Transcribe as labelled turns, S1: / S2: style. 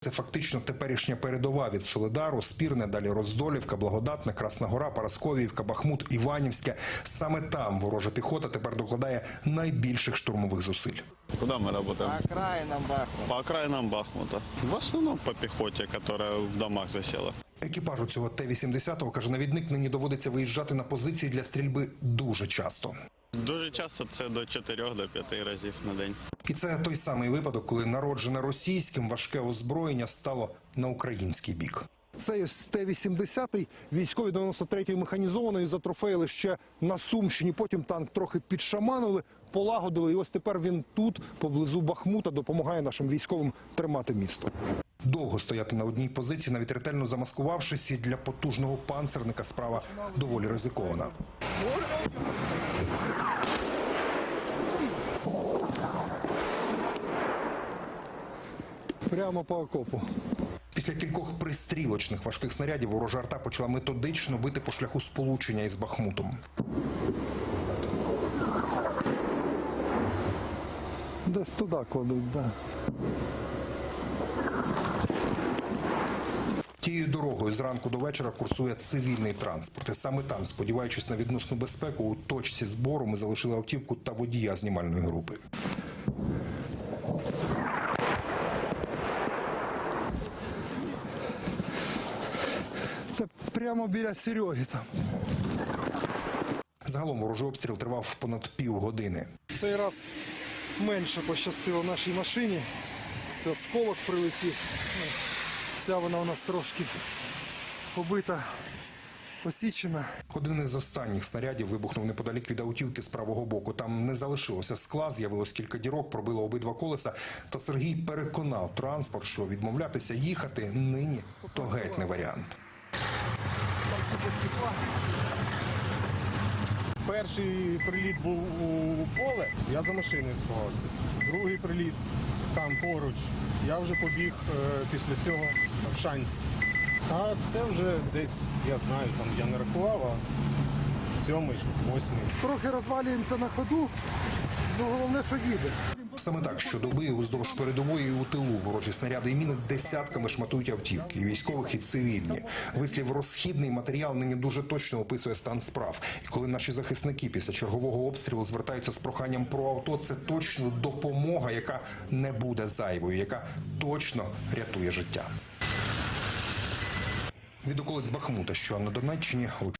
S1: Це фактично теперішня передова від Солидару, Спірне, далі Роздолівка, Благодатне, Красна Гора, Парасковіївка, Бахмут, Іванівське. Саме там ворожа піхота тепер докладає найбільших штурмових зусиль.
S2: Куда мы работаем?
S3: По окраинам Бахмута.
S2: По окраинам Бахмута. В основном по пехоте, которая в домах засела.
S1: Екіпажу цього Т-80, каже навідник, нині доводиться виїжджати на позиції для стрільби дуже часто.
S2: Дуже часто це до 4-5 разів на день.
S1: І це той самий випадок, коли народжене російським важке озброєння стало на український бік. Цей Т-80 військові 93-ї механізованої затрофеїли ще на Сумщині. Потім танк трохи підшаманили, полагодили. І ось тепер він тут, поблизу Бахмута, допомагає нашим військовим тримати місто. Довго стояти на одній позиції, навіть ретельно замаскувавшись, і для потужного панцерника справа доволі ризикована. Прямо по окопу. Після кількох пристрілочних важких снарядів ворожа арта почала методично бити по шляху сполучення із Бахмутом. Десь туди кладуть, так. Тією дорогою зранку до вечора курсує цивільний транспорт. І саме там, сподіваючись на відносну безпеку, у точці збору ми залишили автівку та водія знімальної групи. Це прямо біля Сереги там. Загалом ворожий обстріл тривав понад півгодини. Цей раз менше пощастило нашій машині. Це осколок прилетів. Вся вона у нас трошки побита, посічена. Один із останніх снарядів вибухнув неподалік від автівки з правого боку. Там не залишилося скла, з'явилось кілька дірок, пробило обидва колеса. Та Сергій переконав транспорт, що відмовлятися їхати нині – то геть не варіант.
S4: Перший приліт був у поле, я за машиною сховався. Другий приліт там поруч, я вже побіг після цього в Шанці. А це вже десь, я знаю, там я не рахував, а 7-й, 8-й.
S5: Трохи розвалюємося на ходу, але головне, що їде.
S1: Саме так щодоби уздовж передової і у тилу ворожі снаряди і міни десятками шматують автівки, і військових, і цивільні. Вислів «розхідний матеріал» нині дуже точно описує стан справ. І коли наші захисники після чергового обстрілу звертаються з проханням про авто, це точно допомога, яка не буде зайвою, яка точно рятує життя. Від околиць Бахмута, що на Донеччині,